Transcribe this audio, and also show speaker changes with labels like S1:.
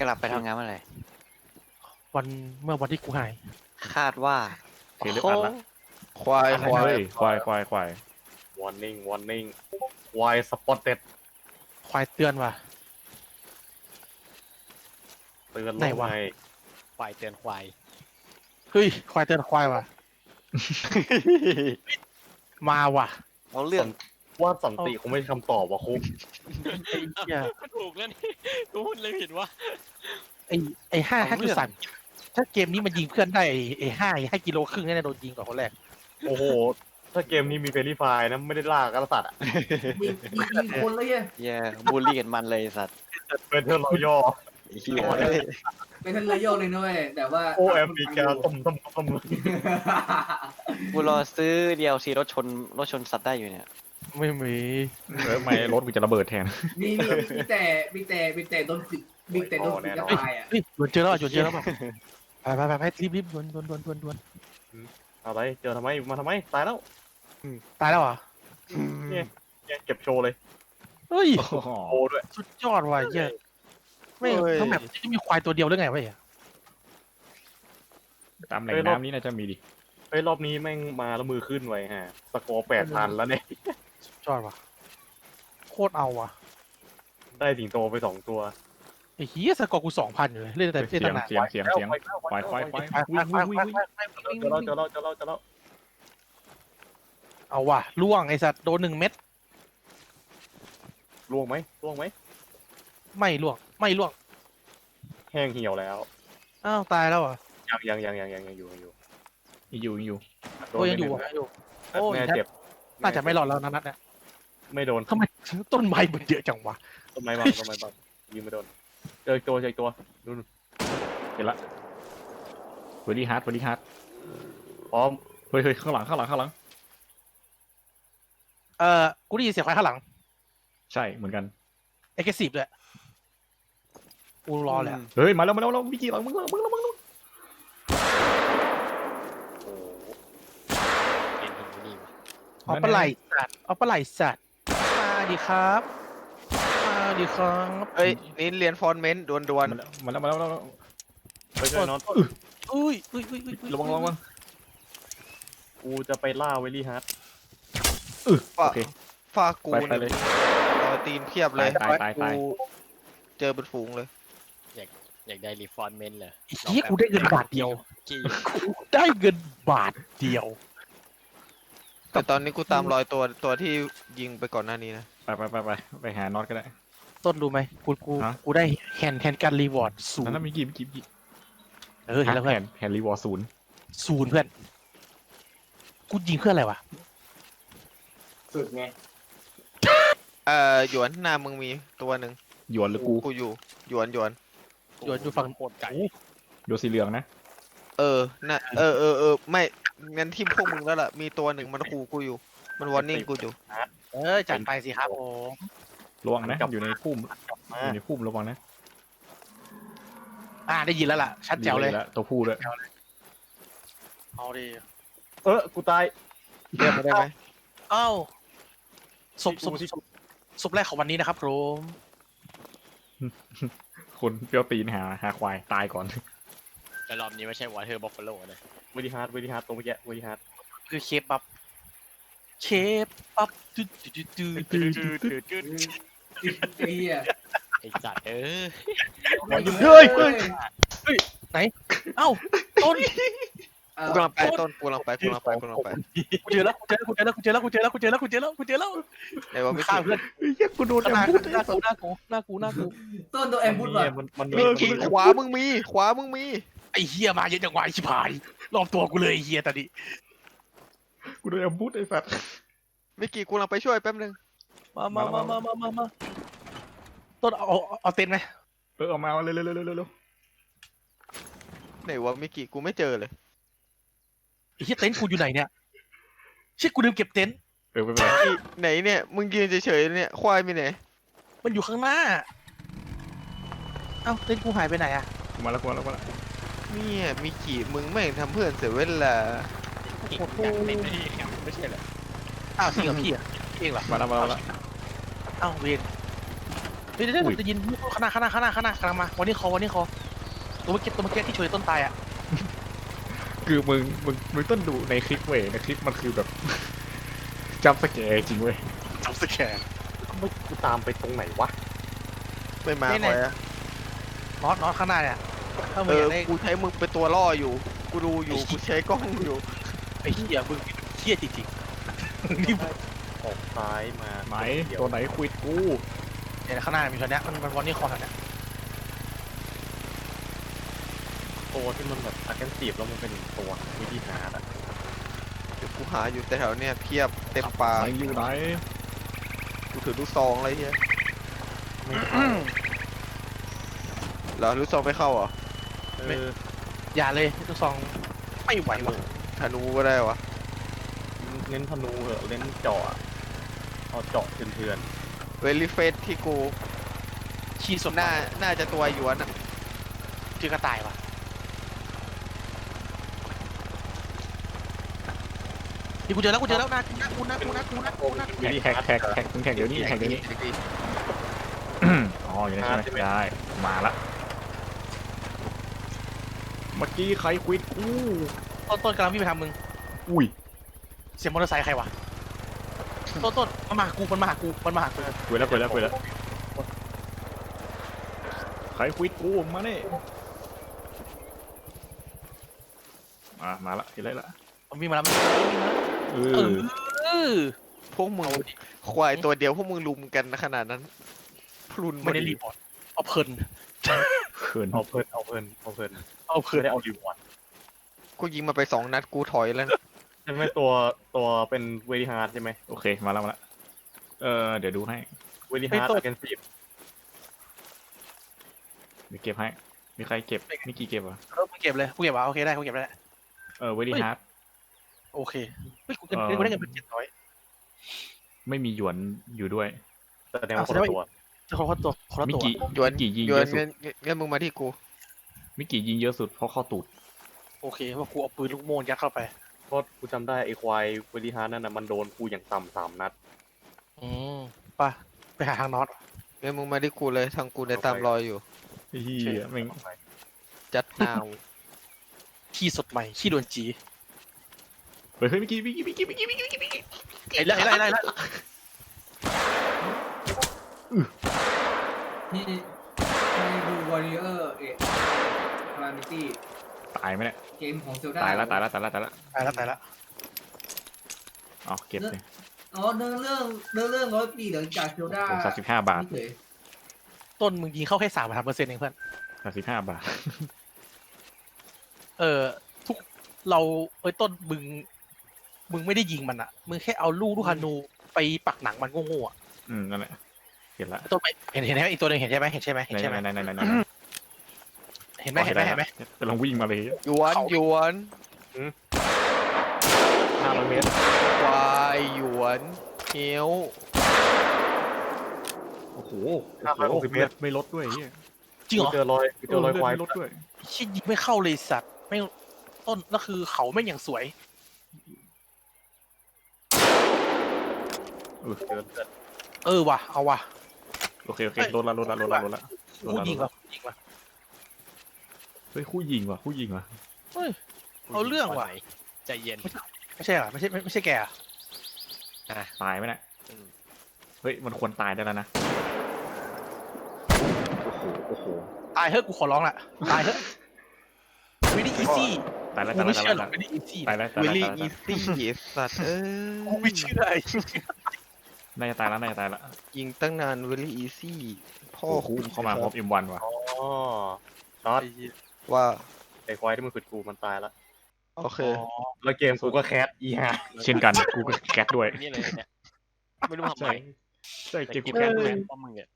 S1: ลับไปทำงานเมื่อไหร่
S2: เมื่อวันที่กูหาย
S1: คาดว่า
S3: เห็นเรื่องอัดละ
S4: ควายควาย
S3: เฮ้ยควาย
S5: warning warning ควาย spotted
S2: ควายเตือนว่ะ
S5: เตือนล
S2: ไหน
S5: ง
S2: วะ
S5: ไง
S4: ควายเตือนควาย
S2: เฮ้ยควายเตือนควายว่ะ มาว่ะ
S1: เอาเรื่อง
S5: ว่าสันติคงไม่ใช่คำตอบว่ะคุก
S2: ไอ้เหี้ย
S4: ถูกแล้วนี่กูพูดเลยเห็นว่า
S2: ไอ้5.3ถ้าเกมนี้มันยิงเพื่อนได้ไอ้5 กิโลครึ่งแน่ๆโดนยิงก่อนคนแรก
S5: โอ้โห ถ้าเกมนี้มีเฟรนลี่ไฟร์นะไม่ได้ล่ากระสัตว์อ่ะ
S6: ยิงคนเลยอ่ะ
S1: แย่บูลลี่กันมันเลยไอ้สัตว์
S5: เป็นเทอร์รอย่อ
S1: ไอ้เหี้ย
S6: เป็นทั้งเลยโยกเลยนุ้ยแต่ว่า
S5: โอแอฟริกาต้ม
S1: กูรอซื้อ DLC รถชนสัตว์ได้อยู่เนี่ย
S2: ไม่มี
S3: ไม่รถกูจะระเบิดแทน
S6: มีแต่โดนฝึกมีแต่โดนฝึกจะตายอ่ะ
S2: เฮ้ยโดนเจอแล้วป่ะไปรีบดวน
S5: อะไรเจอทำไมมาทำไมตายแล้ว
S2: ตายแล้วเหรอ
S5: เนี่ยเก็บโชว์เลย
S2: เฮ้ย
S5: โชว์ด้วย
S2: สุดยอดว่ะเหี้ยไม่ทั้งแบบจะมีควายตัวเดียวหรือไงวะเนี่ย
S3: ตามแหล่งน้ำนี้น่าจะมีดิ
S5: เฮ้ยรอบนี้แม่งมาแล้วมือขึ้นไว้ฮะสกอร์8,000แล้วเนี่ย
S2: สุดยอดว่ะโคตรเอาว่ะ
S5: ได้สิงโตไป2 ตัว
S2: ไอ้เหี้ยสกอร์กู 2,000อยู่เลยเล่นแต่
S3: เสีย
S2: ตั้
S3: ง
S2: งนาน
S3: เสียงควาย
S2: ไป
S5: เจอแล้ว
S2: เอาว่ะล่วงไอ้สัตว์โดน1 เม็ด
S5: ล่วงไหม
S2: ไม่ล่วง
S5: แห้งเหี่ยวแล้ว
S2: อ้าวตายแล้วเหรอ
S5: ยังอยู่
S3: อยู่
S5: โด
S2: โอ้
S5: น
S2: ยยังอยู่
S5: ไป
S2: อยู่
S5: หนึ่ง
S2: โอ้ย
S5: แม่เจ็บ
S2: น่าจะไม่รอดแล้วนะนัดเนี่ย
S5: ไม่โดน
S2: ทำไมต้นไม้มันเยอะจังวะ
S5: ต้นไม้บังยิงไม่โดนเจออีกตัวดู
S3: เห็นละเวลี่ฮาร์ด
S5: พร้อม
S3: เฮ้ยข้างหลัง
S2: กูได้ยินเสียงควายข้างหลัง
S3: ใช่เหมือนกัน
S2: เอ็กซ์ซีฟด้วยกูรอเลยอะ
S3: เฮ้ยมาแล้ววิกิหลังมึง
S4: เป็นหินนี่วะ
S2: เอาปลาไหลสัตว์มาดิครับ
S4: เอ้ยนี่เรียนฟอนเมนต์ดวน
S3: มาแล้ว
S5: ไปช่วยน็อต
S2: อุ้ย
S3: ระวัง
S5: กูจะไปล่าเวลี่ฮาร์ด
S3: โอเค
S4: ฟากู
S3: ไปเลย
S4: เอาตีนเพียบเลย
S3: ตาย
S4: กูเจอเป็นฝูงเลยอยากได้รีฟอนเมนต์เลย
S2: เฮียกูได้เงินบาทเดียว
S4: แต่ตอนนี้กูตามรอยตัวที่ยิงไปก่อนหน้านี้นะ
S3: ไปหาน็อตก็ได้
S2: ต้นรู้ไหมกูได้แฮนการรีวอร์ดศูน
S3: นั่น
S2: ย์
S3: มีกี่
S2: เห็นแล้วเพื่อน
S3: แฮนรีวอร์ศูนย์
S2: ศูนย์เพื่อนกูยิงเพื่ออะไรวะ
S6: สุดไง
S4: หยวนหน้ามึงมีตัวหนึ่ง
S3: หยวนหรือกู
S4: กูอยู่หยวน
S2: อยู่ฝั่งโคตรไก่
S3: โยสีเหลืองนะ
S4: น่ะไม่งั้นทีมพวกมึงแล้วล่ะมีตัวหนึ่งมันขู่กูอยู่มันวอร์นิ่งกูอยู่
S2: จัดไปสิครับผม
S3: ระวังนะอยู่ในพุ่มระวังนะ
S2: ได้ยินแล้วล่ะชัดแจ๋วเลย
S3: ตัวผู้ด้วย
S2: เอาดิ
S5: กูตาย
S4: เรียกมาได้ไหม
S2: เอ้าศพแรกของวันนี้นะครับผม
S3: คนเปรี้ยวตีนหาควายตายก่อน
S4: แต่รอบนี้ไม่ใช่วอเทอร์บัฟฟาโลนะ
S5: เวลี่ฮาร์ดตรงเมื่อกี้เวลี่ฮาร์ด
S2: คือเคปับจุด
S6: ไอ้เหี้ย
S4: ไอ้จัด
S2: เฮ้ย เอ้าต้น
S4: กูกำลังไปต้นกูกำลังไป
S2: กูเจอแล้ว
S4: ไอ้วะไม่
S2: ฆ่า
S4: ใช่
S2: เพื่อน
S3: เฮ้ยกูโดน
S2: หน้ากู
S6: ต้นตัวแอมบูดว่ะ
S5: มัน
S4: มีขวามึงมี
S2: ไอ้เฮียมาเยอะจังวะไอ้ชิบหายรอบตัวกูเลยไอ้เฮียตอนนี้
S3: กูโดนแอมบูสไอ้สัตว์
S4: ไม่กี่กูกำลังไปช่วยแป๊บนึง
S2: มาต้นเอาเต็นท์ไหม
S3: เอามาเร็ว
S4: ไหนวะไม่กี่กูไม่เจอเลย
S2: ไอ้เฮียเต็นท์กูอยู่ไหนเนี่ยเชี่ยกูลืมเก็บเต็นท์
S3: ไม่เป็นไร
S4: ไหนเนี่ยมึงยืนเฉยๆเนี่ยควายมีไหน
S2: มันอยู่ข้างหน้าเอ้าเต็นท์กูหายไปไหนอะ
S3: มาแล้ว
S4: เนี่ยมีกี่มึงไม่งทำเพื่อนเสียเวลา
S2: ไม่ใช่เหรออ้าวจริงเหรอพี่เองเหรอ
S3: มาแล้ว
S2: อ้าวเวรเฮ้ยเดี๋ยวจะยินข้างหน้ากำลังมาวันนี้คอตัวเมื่อกี้ที่ช่วยต้นตายอ่ะ
S3: คือมึงต้องดูในคลิปเว้ยในคลิปมันคือแบบ จำสแกร์จริงเว้ย
S2: จับสแกน
S5: ไม่กูตามไปตรงไหนวะ
S4: ไม่มา
S2: นี่
S4: ค
S2: ไง
S4: อยอะ
S2: น็อตข้างหน้าเนี่ยถ้ามึ
S4: เอง
S2: อยา
S4: อก
S2: ได้
S4: กูใช้มึงเป็นตัวล่ออยู่ กูดูอยู่ กูใช้กล้องอยู่
S2: ไอ้เหี้ยมึงเหี้ยจริงๆนี่
S5: ออกซ้ายมา
S3: ไหน
S5: เดี๋ยว
S3: ตัวไหนควิดกู
S2: เนี่ยข้างหน้ามีตัวเนี้ยมันวันนี้คอเนี่ย
S5: ตัวที่มันแบบอาร์แกนซีฟแล้วมันเป็นตัววิธีหาอ่ะ
S4: เดี๋ยวกูหาอยู่แต่แถวเนี้ยเพียบเต็มปา
S3: ไหนอยู่ไหน
S4: กูถือลูกซองอะไรเงี้ย
S5: ไม่
S4: เหรอลูกซองไม่เข้าเหรอ
S2: อย่าเลยลูกซองไม่ไหวว่ะ
S4: ธนูก็ได้วะ
S5: เน้นธนูเหอะเน้นเจาะอะเอาเจาะเถื่อน
S4: เวลิเฟสที่กู
S2: ขี้สด
S4: น่าจะตัวหยวนอะ
S2: คือกระต่ายว่ะนี่กูเจอแล้วนะกูนะ
S5: ๆวิธี
S3: แท็ก
S5: หา
S3: แท็กมึงแท็กเดี๋ยวนี้แท็กเดี๋ยวนี้อ๋ออยู่ในใช่ไหมได้มาละเมื่อกี้ใครควิดกู
S2: ต้นกำลังวิ่งไปทางมึง
S3: อุ้ย
S2: เสียงมอเตอร์ไซค์ใครวะต้นมันมาหากู
S3: คุยแล้วใครควิดกูมาเนี่ยมาละเห็นไรละ
S2: มันวิ่งมาแล้ว
S3: เอ
S2: เอ
S3: อ
S2: อ
S4: พวกมึงควายตัวเดียวพวกมึงลุมกันขนาดนั้นพลุน
S2: ไม่ได้รีพอร์ตเอาเพลิน
S3: เขิน
S5: เอาเพลิน ไม่ได้เอารีวอร์ด
S4: กูยิงมาไป2 นัดกูถอยแล้วนะ
S5: ใช่ไหมตัวเป็นเวทีฮาร์ดใช่ไหม
S3: โอเคมาละเดี๋ยวดูให้
S5: เวทีฮาร์ดอาร์แกนซีฟ
S3: เดี๋ยวเก็บให้มีใครเก็บมีกี่เก็บวะ
S2: กูเก็บเลยวะโอเคได้กูเก็บได้
S3: เวดี้ฮาร์ด
S2: โอเคเฮ้ยกูได้เงินเป็น700
S3: ไม่มีหยวนอยู่ด้วย
S5: แสดงว่าคนละตัว
S2: จะคนละตัว
S3: มิกิ
S4: หยวน
S3: มิกิยิง
S4: หย
S3: เย
S4: วน
S3: อะสุด
S4: เงินมึงมาที่กู
S3: มิกิยิงเยอะสุดเพราะเข้าตูด
S2: โอเคว่ากูเอาปืนลูกโม่ยัดเข้าไป
S5: เพราะกูจำได้ไอ้ควายเวทีฮาร์ดนั่นน่ะมันโดนกูอย่างต่ำ3 นัด
S2: ป่ะไปหาทางน็อต
S4: เงินมึงมาที่กูเลยทางกูเนี่ยตามรอยอยู่
S3: เฮียแม่ง
S4: จัดนาว
S2: ขี้สดใหม่ขี้โดนจี
S3: เฮ้ยมิกิ
S2: ไอ้ไล่
S6: นี่ดูวอริเออร์คารามิตี้
S3: ตายไหมเนี่ย
S6: เกมของเซลดา
S3: ตายละ
S2: ตายแล้ว
S3: อ๋อเก็บเลย
S6: อ๋อเนื้อเรื่อง100 ปีหลังจากเซลดา
S3: 35 บาท
S6: เฉย
S2: ต้นมึงยิงเข้าแค่3%เองเพื่อน
S3: 35 บาท
S2: ทุกเราต้นมึงไม่ได้ยิงมันอ่ะมึงแค่เอาลูกฮานูไปปักหนังมันโง่ๆอ่ะ
S3: นั่นแหละเห็นละ
S2: ต้นไปเห็นไหมอีกตัวนึงเห็นใช่ไหม
S3: ไหน
S2: เห็นไหม
S3: กำลังวิ่งมาเลย
S4: หยวนหยวน
S3: 500 เมตร
S4: ควายหยวนเฮียว
S3: โอ้โห
S5: 560 เมตร
S3: ไม่ลดด้วยเฮีย
S2: จริงเหรอ
S5: เจอรอยควาย
S3: ไม่ลดด้วย
S2: ชิดยิงไม่เข้าเลยสัตว์ไม่ต้นก็คือเขาไม่อย่างสวย
S5: เจอ
S2: ว่ะเอาว่ะ
S3: โอเคลดละ
S2: คู่ยิงว่ะ
S3: เฮ้ยคู่ยิงว่ะ
S2: เอาเรื่องว่ะ
S1: ใจเย็น
S2: ไม่ใช่เหรอไม่ใช่แกอ่ะ
S3: ตายไหมเนี่ยเฮ้ยมันควรตายได้แล้วนะโอ้โห
S2: ตายเฮ้ยกูขอร้องละตายเฮ้ยไม่ได้อีซี่
S3: ตายแล้ว
S2: กูไม่เชื่อหรอกไม่ได้อีซี่
S3: ตายแล้ว
S4: เวลี่อีซี่สัตว์
S2: กูไม่เชื่อ
S3: น่าจะตายแล้ว
S4: ยิงตั้งนานเวลี่อีซี่พ่อ
S3: โอ้โหเข้ามาพร้อม M1 ว่ะ
S5: อ๋อน็อต
S4: ว่า
S5: ไอ้ควายที่มันขุดกูมันตายละ
S4: โอเค
S5: แล้วเกมกูก็แคสอีห่า
S3: เช่นกันกูก็แก๊สด้วย
S1: นี่เลยเนี่ยไม่รู้ทำไม
S3: ใช่เกมกูแก๊สด้วย
S1: เพราะมึงเนี่ย